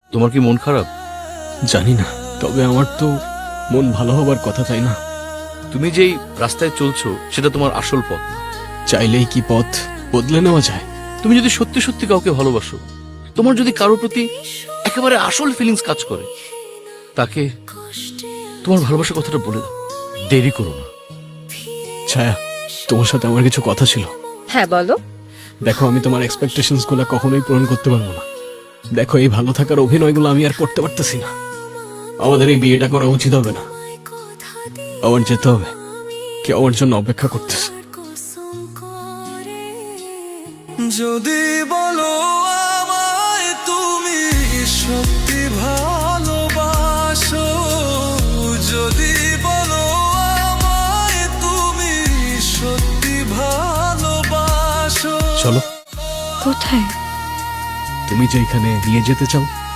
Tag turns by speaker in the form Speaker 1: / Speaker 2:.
Speaker 1: তোমার কি মন খারাপ?
Speaker 2: জানি না, তবে আমার তো মন ভালো হবার কথা, তাই না?
Speaker 1: তুমি যেই রাস্তায় চলছো সেটা তোমার আসল পথ না।
Speaker 2: চাইলেই কি পথ বদলে নেওয়া যায়?
Speaker 1: তুমি যদি সত্যি সত্যি কাউকে ভালোবাসো, তোমার যদি কারোর প্রতি একেবারে আসল ফিলিংস কাজ করে, তাকে তোমার ভালোবাসার কথাটা বলে দাও, দেরি করো না।
Speaker 2: ছায়া, তোমার সাথে আমার কিছু কথা ছিল।
Speaker 3: হ্যাঁ বলো।
Speaker 2: দেখো, আমি তোমার এক্সপেকটেশনস গুলো কখনোই পূরণ করতে পারবো না। দেখো, এই ভালো থাকার অভিনয়গুলো আমি আর করতে পারতেছি না। আমাদের এই বিয়েটা করা উচিত হবে না। আমার যেতে হবে, কেউ আমার জন্য অপেক্ষা করতেছে।
Speaker 4: যদি বলো আমায় তুমি সত্যি ভালোবাসো, যদি বলো আমায় তুমি সত্যি ভালোবাসো।
Speaker 2: চলো,
Speaker 3: কোথায়?
Speaker 2: তুমি যেখানে নিয়ে যেতে চাও